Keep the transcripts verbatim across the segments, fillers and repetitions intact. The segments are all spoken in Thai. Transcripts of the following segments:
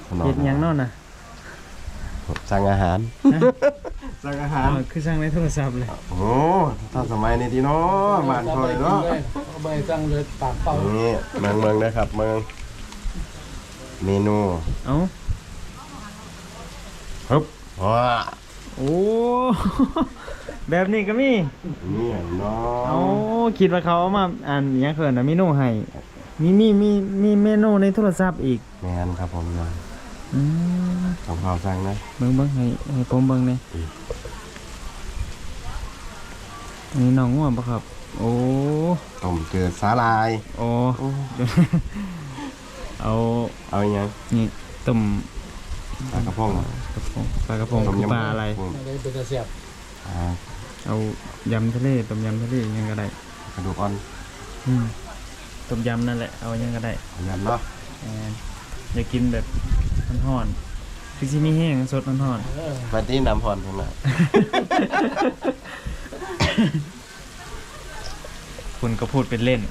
เฮ็ดหยังเนาะน่ะสั่งอาหารสั่งอาหารคือสั่งในโทรศัพท์เลยโอ้ถ้าสมัยนี้ที่เนาะบ้านคอยเนาะเอาไปสั่งเลยปากเปล่านี่เมืองเมืองนะครับเมืองเมนูเอ้าฮึบว้าโอ้แบบนี้ก็มีนี่เนาะเอ้าคิดว่าเขาเอามาอ่านหยังเขินน่ะเมนูให้มีมีมีมีเมนูในโทรศัพท์อีกแม่นครับผมนะอืมของเขาสั่งนะเบิ่งเบิ่งให้ให้ผมเบิ่งหน่อยอันนี้น้องง่วงปะครับโอ้ต้มเกลือสาลายโอ้เอาเอาอย่างนี่ต้มปลากระพงกระพงปลากระพงปลาอะไรอะไรเป็นกระเสียบเอายำทะเลต้มยำทะเลยังก็ได้กระดูกอ่อนอืมต้มยำนั่นแหละเอายังก็ได้ยำเนาะอยากกินแบบห่อนๆคือที่มีแห้งสดห่อนๆปาร์ตี้น้ำห่อนใช่ไหมคุณก็พูดเป็นเล่น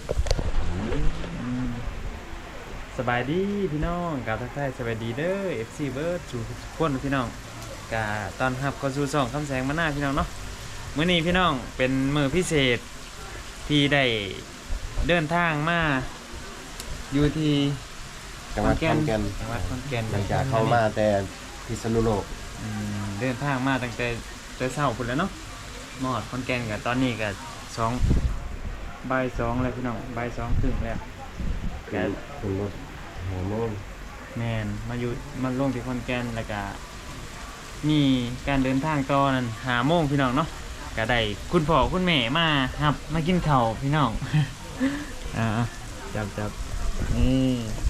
สบายดีพี่น้องกาทักทายสบายดีเด้อ เอฟ ซี เบิร์ดสู่ทุกคนพี่น้องกาตอนรับก็สู่สองคำแสงมาหน้าพี่น้องเนาะมื้อนี้พี่น้องเป็นมื้อพิเศษที่ได้เดินทางมาอยู่ที่จังหวัดขอนแก่นจังหวัดขอนแก่นหลังจากเข้ามาแต่พิษณุโลกเดินทางมาตั้งแต่แต่เช้าพุ่นแล้วเนาะมอดขอนแก่นกับตอนนี้ก็สองบ่ายสองแล้วพี่น้องบ่ายสองถึงแล้วแกขึ้นรถหัวโมงแมนมาอยู่มาลงที่ขอนแก่นแล้วก็มีการเดินทางต่อนั่นหาโมงพี่น้องเนาะก็ได้คุณพ่อคุณแม่มาครับมากินข้าวพี่น้องอ่าจับจับนี่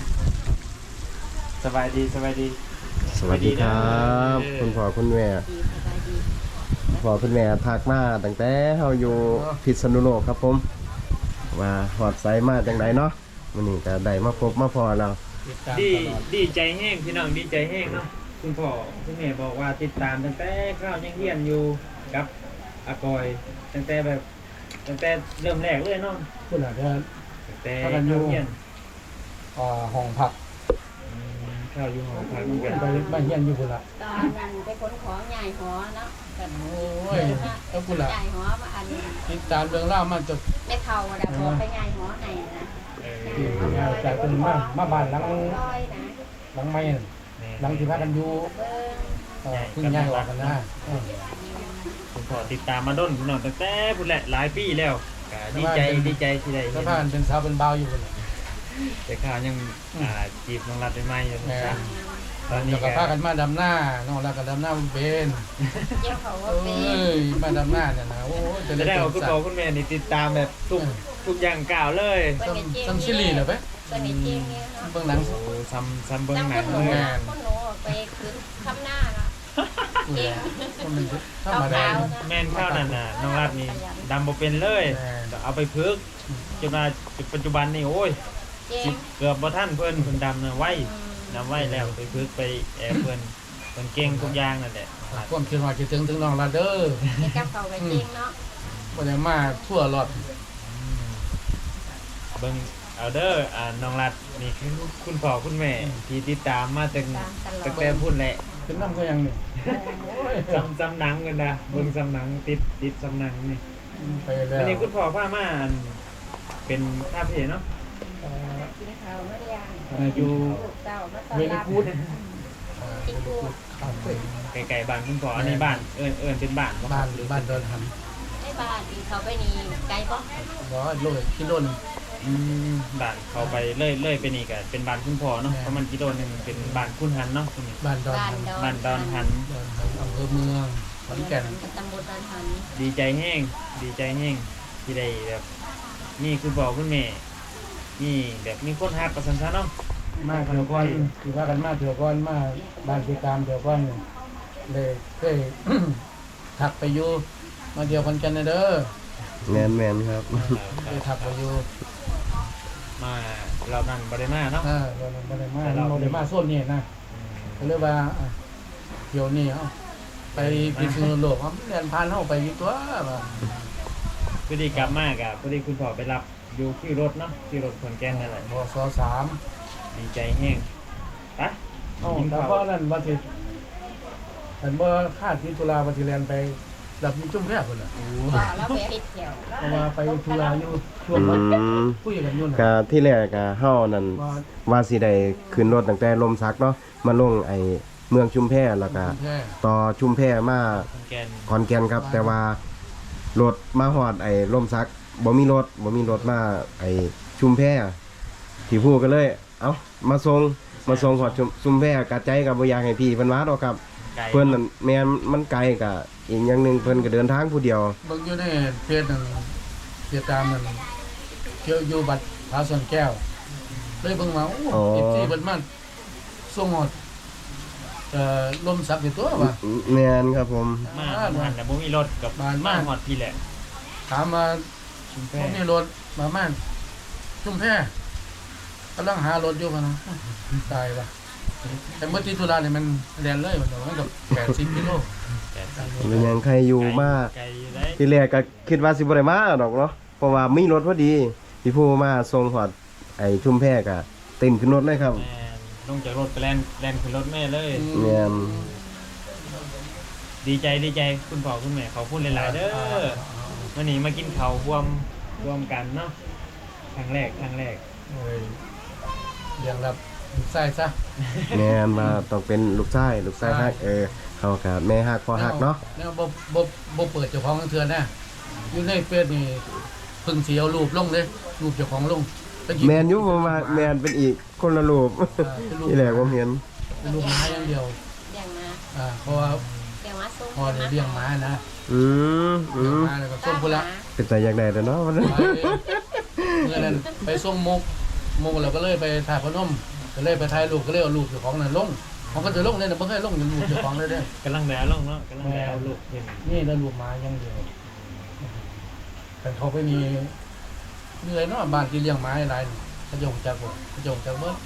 สบายดีสบายดีสวัสดีครับคุณพ่อคุณแม่พ่อคุณแม่ทักมาตั้งแต่เฮาอยู่พิษณุโลกครับผมว่าหอดไซมาจังไดเนาะวันนี้ก็ได้มาพบมาพอเราดีดีใจแห้งพี่น้องดีใจแห้งเนาะคุณพ่อคุณแม่บอกว่าติดตามตั้งแต่ข้าวยังเฮียนอยู่กับอากอยตั้งแต่แบบตั้งแต่เริ่มแรกเลยเนาะคุณอาจจะตั้งแต่ข้าวเฮียนอ่าห้องผักข้าวอยู่ห้องผักเหมือนกันไปบ้านเฮียนอยู่คุณละตอนนั้นไปขนของใหญ่หอเนาะกันโอ้ยเอาคุณละใหญ่หอมาอันติดตามเรื่องเล่ามันจะไม่เท่าดาบอกไปใหญ่หอไหนนะจากเป็นมามาบ้านหลังหลังไม้หลังที่พักกันอยู่คุณยายออกกันนะผมขอติดตามมาด้นพี่น้องตั้งแต่พุ่นแหละหลายปีแล้วดีใจดีใจที่ได้สะพานเป็นสาวเป็นเบาอยู่คนแต่ข้าวยังจีบน้องรัดไปไม่อยู่นะตอนนี้ก็พากันมาดำหน้าน้องรัดก็ดำหน้าเป็นเจ้าเขาว่าเป็นเอ้ยมาดำหน้าเนี่ยนะโอ้จะได้เอาคุณพ่อคุณแม่นี่ติดตามแบบทุกทุกอย่างกล่าวเลยซัมซิลีเหรอเป๊ะเบื้องหลังซัมซัมเบื้องหนังเลยคนหนูไปคืนคำหน้าละเก่งธรรมดาแม่นข้าวนั่นน่ะน้องรัดนี่ดำบ่เป็นเลยเอาไปพึกจนมาปัจจุบันนี่โอ้ยเกือบบ่ท่านเพิ่นเพิ่นดำนะไว้ดำไว้แล้วไปพึกไปแอบเพิ่นเพิ่นเก่งทุกอย่างนั่นแหละความคิดว่าคิดถึงถึงน้องรัดเด้อให้กับเขาไปเก่งเนาะบ่ได้มาทั่วรอดเบิ่งเอาเด้ออ่าน้องรัดนี่คือคุณพ่อคุณแม่ที่ติดตามมาตั้งตั้งแต่พุ่นแหละเป็นน้ำก็ยังนี่จำจำหนังกันนะเบิ่งจำหนังติดติดจำหนังนี่ไปแล้วอันนี้คุณพ่อพามาเป็นคาเฟ่เนาะกินข้าวเมื่อเรียนอยู่เวนิกูดไก่ๆบ้านคุณพ่ออันนี้บ้านเอิญเอิญเป็นบ้านบ้านหรือบ้านดอนหันไม่บ้านเขาไปนี่ไกลปะร้อยโลกิโลนึงบ้านเขาไปเลื่อยเลื่อยไปนี่ก็เป็นบ้านคุณพ่อเนาะเพราะมันกิโลนึงเป็นบ้านคุณหันเนาะบ้านดอนบ้านดอนหันอำเภอเมืองขอนแก่นตำบลดอนหันดีใจแห้งดีใจแห้งที่ได้แบบนี่คุณพ่อคุณแม่นี่แบบมีคนฮักประสันชันเนาะมาเถื่อก้อนคือว่ากันมาเถื่อก้อนมาบ้านติดตามเถื่อก้อนเลยเคยถักไปอยู่มาเดียวกันกันเด้อแมนแมนครับเคยถักไปอยู่มาเรานั่นบริมาเนาะอ่าเราบริมาเราบริมาโซนนี่นะเขาเรียกว่าเที่ยวนี่เอาไปพิษณุโลกเขาเรียนพานเข้าไปกี่ตัวมาพอดีกลับมากอ่ะพอดีคุณพ่อไปรับอยู่ที่รถเนาะที่รถขนแก่นนั่นแหละบสสามดีใจแห้งไปเอ้าแต่เพราะนั้นว่าสิอันเมื่อคาดที่ตุลาวันที่แลนไปดับมีจุ่มแค่คนน่ะว่าแล้วไปปิดแถวเพราะว่าไปตุลาอยู่ช่วงอืวันมคุยกันอยู่ก็น่ะที่แรกก็เฮานั่นว่าว่าสิได้ขึ้นรถตั้งแต่ลมซักเนาะมาลงไอ้เมืองชุมแพแล้วก็แค่ต่อชุมแพมาคนแกนขอนแก่นครับ แต่ว่ารถมาฮอดไอ้ลมซักบ่มีรถบ่มีรถมาไอ้ชุมแพที่ผู้ก็เลย เอ้ามาส่งมาส่งฮอดชุมชุมแพกะใจก็บ่อยากให้พี่เพิ่นมาดอกครับไก่เพิ่นนั่นแม่นมันไกลก็อีกอย่างหนึงเพิ่นก็เดินทางผู้เดียวเบิ่งอยู่ในเพจนั่นเพจตามนั่นเกี่ยวอยู่บัดพาส่วนแก้ว เลยเบิ่งมาโอ้อ๋อเอฟซีเพิ่นมาส่งหมดเอ่อลมสักอยู่ตัวว่าแม่นครับผมมาหันแต่บ่มีรถกับบ้านมาบ้านหอดพี่แหละถามมาชุมแพผมมีรถมาม่านชุ่มแพกำลังหารถอยู่กันนะตายว่ะแต่เมื่อที่ธุระเนี่ยมันแลนเลยมันมันกับแปดสิบกิโลแต่เป็นหยังใครอยู่มาไก่อยู่ได้ที่แรกก็คิดว่าสิบ่ได้มาดอกเนาะเพราะว่ามีรถพอดีที่ผู้มาส่งฮอดไอ้ชุมแพก็เต้นขึ้นรถเลยครับแม่นลงจากรถไปแล่นแล่นขึ้นรถแม่เลยแม่นดีใจดีใจคุณพ่อคุณแม่เขาพูดหลายๆเด้อวันนี้มากินข้าวรวมรวมกันเนาะครั้งแรกครั้งแรกโอ้ยเรียงรับใส่ซะแม่นมาต้องเป็นลูกชายลูกชายฮักเออเขากับแม่ฮักพ่อฮักเนาะแล้วบ่บ่บ่เปิดเจ้าของเทือนนะอยู่ในเฟซนี่เพิ่งสิเอารูปลงเลยรูปเจ้าของลงตะกี้แม่นอยู่ผมว่าแม่นเป็นอีกคนละรูปอ่าเป็นรูปที่แรกผมเห็นเป็นรูปหมาอย่างเดียวเลี้ยงมาอ่าเพราะว่าเลี้ยงมาส่งพอได้เลี้ยงหมานะอืมอืเลี้ยงมหมาแล้วก็ส่งพุ่นละเป็นใจอยากได้แต่เนาะวันนั้นไปเมื่อนั้นไปส่งมุกมุกเราก็เลยไปถ่ายพนมก็เลยไปถ่ายรูปก็เลยเอารูปเจ้าของนั่นลงมันก็จะลงเลยนะมันก็ลงรูปเจ้าของเลยเด้อกำลังแดดลงเนาะกำลังแดดเอาลูกเห็นนี่แล้วรูปหมาอย่างเดียวแต่เขาไปมีเหนื่อยเนาะบ้านที่เลี้ยงหมาอะไรนี่เขาจะหงจากบ่เขาจะหงจากเบิด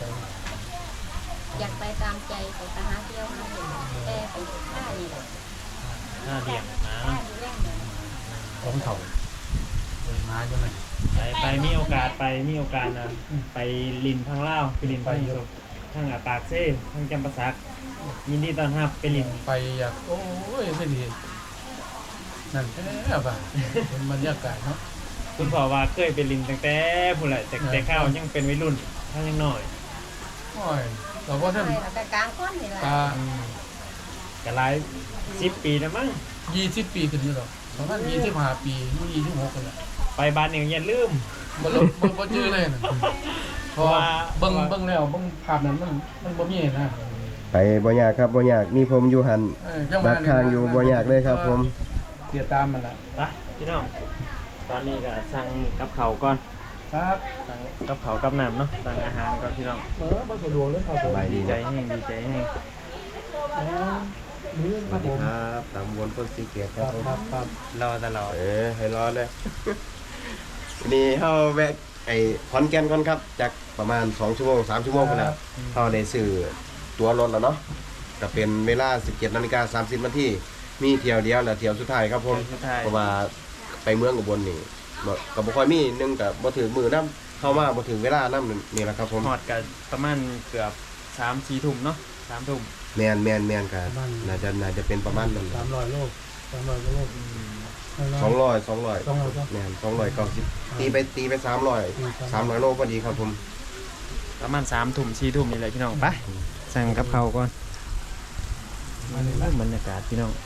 อยากไปตามใจไปหาเที่ยวหาเห็นแต่ไปค่านี่แหละหน้าเดี่ยงนะค่าดูแลเงินของเขาเลยหมาจังไงไปไปมีโอกาสไปมีโอกาสนะไปลินทางลาวไปลินทางสุทางอาปากเซ่ทางจำปาสักยินดีต้อนรับไปลินไปอยากโอ้ยไม่ดีนั่นแท้ป่ะเป็นบรรยากาศเนาะคุณพ่อว่าเคยไปลินตั้งแต่ผู้นแหละแต่แต่ข้าวยังเป็นวัยรุ่นข้าวยังน้อยโอ้ยเราก็ท่านไปแล้วก็กลางคนนี่แหละตาอืมก็หลายสิบปีแล้วมั้งยี่สิบปีขึ้นอยู่หรอกประมาณยี่สิบห้าปียี่สิบหกกันแหละไปบ้านเองอย่าลืมบ่ลบบ่บ่จื้อเลยนะเพราะว่าเบิ่งเบิ่งแล้วเบิ่งภาพนั้นมันมันบ่มีนะไปบ่ยากครับบ่ยากมีผมอยู่หันเออจังหบัวะดทางอยู่บ่ยากเลยครับผมเสียตามมันล่ะไปพี่น้องตอนนี้ก็สั่งกับเขาวก่อนครับสั่งกับเขาวกับน้ำเนาะสั่งอาหารก่อนพี่น้องเออบ่สะดวกเลยครับผมสบายดีดีใจนะแห้งดีใจแห้งอ๋อมื้อสครัวับสผดีมครับตามวนต้นสีเกียรติคครัรับบ ผมครับครับรอตลอดเออให้รอเลย วันนี้เฮาแวะไอ้ขอนแก่นก่อนครับจากประมาณสองชั่วโมงสามชั่วโมงไปแล้วเฮาได้ซื้อตั๋วรถแล้วเนาะก็เป็นเวลา สิบเจ็ดนาฬิกาสามสิบนาทีมีเที่ยวเดียวและเที่ยวสุดท้ายครับผมสุดท้ายเพราะว่าไปเมืองอุบลนี่บ่ก็บ่ค่อยมีหนึงก็บ่ถึงมื้อนำเข้ามาบ่ถึงเวลานำนี่แหละครับผมหอดกันประมาณเกือบสามสี่ทุ่มเนาะสามทุ่มแม่นแม่นแม่นก็น่าจะน่าจะเป็นประมาณนั้นสามร้อยโลสามร้อยโลสองร้อยสองร้อยสองร้อยแม่นสองร้อยเก้าสิบตีไปตีไปสามร้อยสามร้อยโลพอดีครับผมประมาณสามทุ่มสี่ทุ่มนี่แหละพี่น้องไปสั่งกับเขาวก่อนบรรยากาศพี่น้อง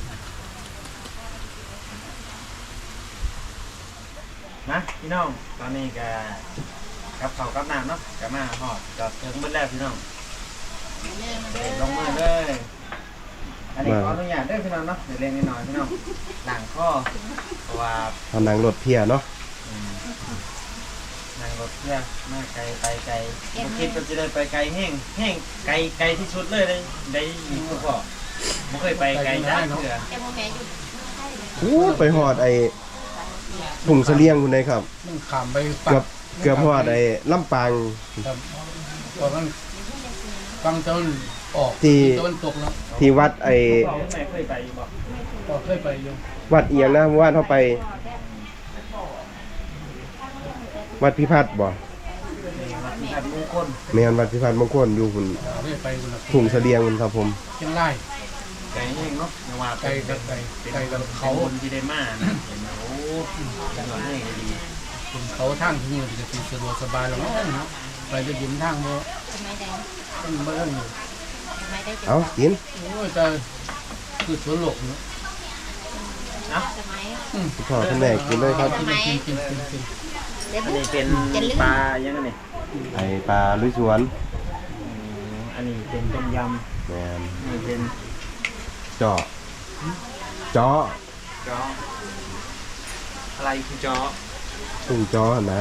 นะพี่น้องตอนนี้ก็กับเขาวกับน้ำเนาะกับมาหอดจอดถึงเมื่อแรกพี่น้องเด็กลงมือเลยอันนี้ขออนุญาตเด้อพี่น้องเนาะเดี๋ยวเล่นนิดหน่อยพี่น้องหลังข้อเพราะว่าทำนางรถเพียเนาะอืมนั่งรถเพื่อมาไกลไปไกลบ่คิดว่าจะได้ไปไกลแห้งแห้งไกลไกลที่สุดเลยได้ได้ยินคุณพ่อไม่เคยไปไกลจ้าเถื่อแต่พ่อแม่อยู่ใช่เลยโอ้ไปหอดไอ้ถุงเสลียงคุณเลยครับมันขามไปปัเกือบเกือบหอดไอ้ลำปางครับเพราะมันฟังตะวันออกที่ตะวันตกแล้วที่วัดไอ้พ่อคุณแม่เคยไปอยู่บ่ก็เคยไปอยู่วัดเอียงนะวัดเข้าไป วัดพิพัฒน์บ่นี่วัดแม่ขัดมงคลแม่นวัดพิพัฒน์มงคลอยู่หุ่นเรื่อยไปคนละทุ่งเสลียงหุ่นครับผมเชียงรายไก่แห้งเนาะอย่าว่าไกลกับไกลไกลกับเขาเขาคนที่ได้มานะเห็นไหมโอ้จังหวะให้ดีคนเขาทางที่นี่จะเป็นสะดวกสบายแล้วเนาะไปจะยินทางบ่ทำไมได้ต้องเบิ่งทำไมได้จะเอากินโอ้ยแต่คือสวนโลกเนาะสมัยคุณพ่อคุณแม่กินเลยครับกินกินกินกินกินเด็กอันนี้เป็นจะลืมปลายังไงเนี่ยไอปลาลุยสวนอืมอันนี้เป็นต้มยแม่นำอันนี้เป็นเจาะเจาะจ้ออะไรคือจ้อทุ่งเจาะนะ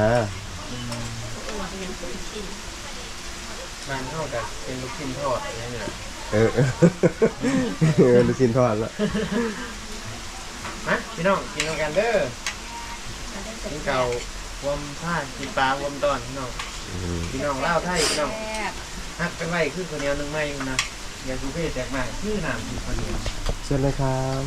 บ้านเท่ากับเป็นลูกชิ้นทอดอะไรเนี่ยเออ เออลูกชิ้นทอดละมาพี่น้องกินกันเด้อกินเก่า วมผ้ากินปลาวมตอนพี่น้องอืมพี่น้องเล่าวไทยพี่น้องแซ่บฮักไปไว้คือคนเดียวหนึงไม่อยู่นะอย่าสูเพศแตกมากชื่อหนามอยู่คนเดียวเชิญเลยครับ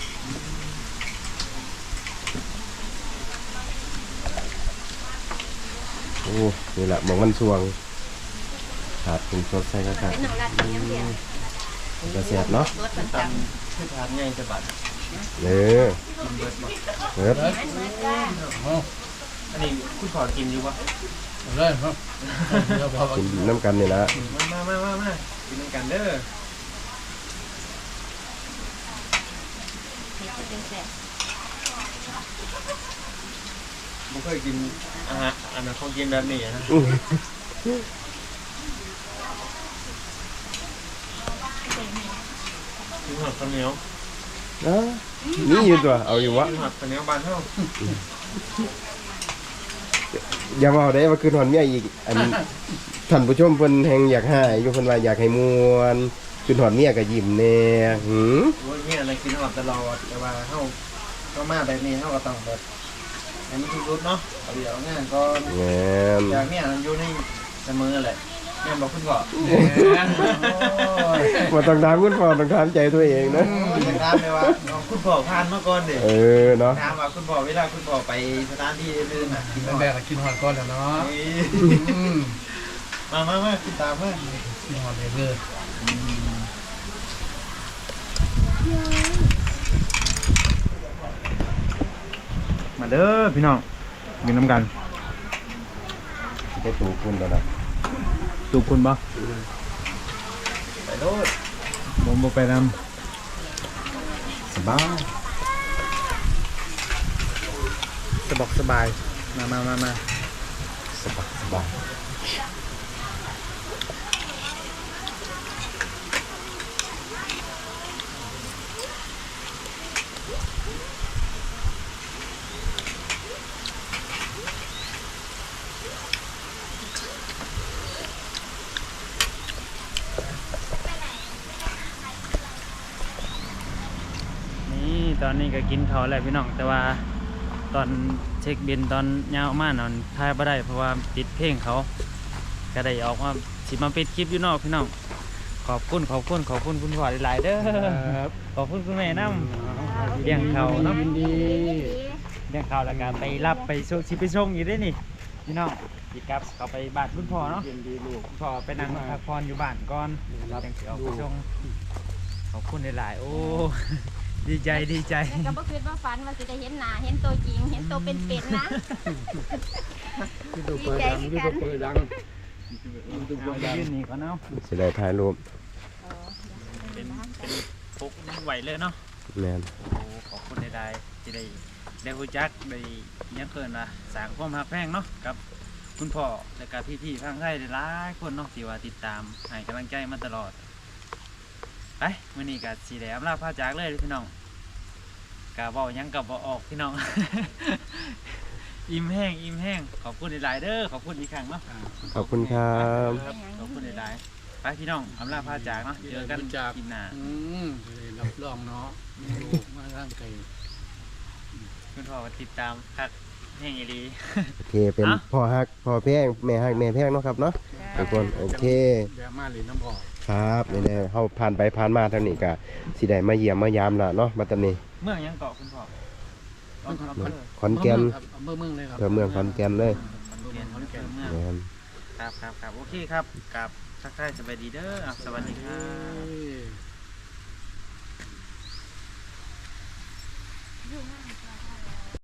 โอ้นี่แหละหมองมันสวงขาดถึงสดใส่กระขาดเป็นหนังรัดเนี้ยเดียวกระเสียบเนาะรสประจตำคือทานง่ายสะบัดเออกินเบิดหมดเปิดเฮ้ยำเหมือนกันเอาอันนี้คุณขอกินอยู่ปะเอาเลยเนาะเดี๋ยวพอกินน้ำกันนี่ละมามามามามากินกันเด้อเห็ดจะเป็นแซ่บผมเคยกินอาหารอันนั้นเขากินแบบนี้นะอื้อกินหอดข้าวเหนียวเอ้านี่อยู่ตัวเอาอยู่วะกินหอดข้าวเหนียวบานเท่าอย่ามาเอาได้ว่าคืนหอนเมียอีกอันท่านผู้ชมเพิ่นแฮงอยากให้อยู่เพิ่นว่าอยากให้มวนคืนหอนเมียก็ยิ้มแน่หือโอ้ยเนี่ยอะไรกินหอดตลอดแต่ว่าเท่าก็มาแบบนี้เท่าก็ต้องแบบให้มันทุกรุดเนาะเอาเดี๋ยวงานก็แม่นอย่างเนี้ยมันอยู่ในเสมอแหละแม่บอกคุณก่อนบ่ต้องถามคุณพ่อต้องถามใจตัวเองนะจะถามเลยว่าเอาคุณพ่อผ่านมาก่อนเด็เออเนาะถามว่าคุณพ่อเวลาคุณพ่อไปสถานที่อื่นๆน่ะกินเป็นหอดแบกกินหอดก่อนแล้วเนาะนี่อืมมามามากินตามมากินหอดเลยเลยมาเด้อพี่น้องกินน้ำกันไปตูคุณแล้วนะตูคุณบ่ไปโลดผมบ่ไปนสบายำสบกสบายมามามามาสบายสบายนี่ตอนนี้ก็กินข้าวแล้วพี่น้องแต่ว่าตอนเช็คบินตอนยาวมากนอนถ่ายบ่ได้เพราะว่าติดเพลงเขาก็ได้ออกมาสิมาปิดคลิปอยู่นอกพี่น้องขอบคุณขอบคุณขอบคุณคุณพ่อหลายๆเด้อครับขอบคุณคุณแม่น้ำ เลี้ยงเขาเนาะยินดีเรื่องข่าวแล้วก็ไปรับไปส่งชิไปส่งอยู่ได้นี่พี่น้องอีกครับเขาไปบ้านคุณพ่อเนาะยินดีลูกคุณพ่อไปนั่งพักผ่อนอยู่บ้านก่อนรับจังสิออกไปส่งขอบคุณหลายๆโอ้ ดีใจดีใจแล้วก็บ่คิดว่าฝันว่าสิได้เห็นหน้าเห็นตัวจริง เห็นตัวเป็นๆนะที่ตัวเปิดดังที่ตัวเปิดดังที่ตัวเอาเปิดดังยื่นนี่ก่อนเนาะสิได้ถ่ายรูปเป็นเป็นปุ๊กน้ำไหวเลยเนาะแม่นโอ้ขอบคุณหลายๆที่ได้ได้รู้จักได้ยังเกินว่าสร้างความรักแพงเนาะกับคุณพ่อและกับพี่ๆทางไทยหลายๆคนเนาะที่ว่าติดตามให้กำลังใจมาตลอด ไปมื้อนี้ก็สิได้อำลาพาจากเลยพี่น้องกะเว้าหยังกับบ่ออกพี่น้อง อิ่มแห้งอิ่มแห้งขอบคุณหลายๆเด้อขอบคุณอีกครั้งเนาะขอบคุณครับขอบคุณหลายๆไปพี่น้องอำลาพาจากเนาะเจอกันกินหน้าอืมรับรองเนาะลูกมาร่างไก่คุณพ่อก็ติดตามคักแห้งอีหลีโอเคเป็นอ่ะพ่อฮักพ่อแพงแม่ฮักแม่แพงเนาะครับเนาะทุกคนโอเคแย่มาหรือน้ำพอครับนี่แหละเฮาผ่านไปผ่านมาเท่านี้ก็สิได้มาเยี่ยมมายามล่ะเนาะบัดตอนนี้เมืองหยังเกาะคุณพ่อเมืองขอนแก่นขอนแก่นอำเภอเมืองเลยครับเพื่อเมืองขอนแก่นเลยขอนแก่นขอนแก่นเมืองแม่นไปครับครับครับโอเคครับกับทักทายสบายดีเด้ออ่ะสวัสดีครับอยู่ห้าง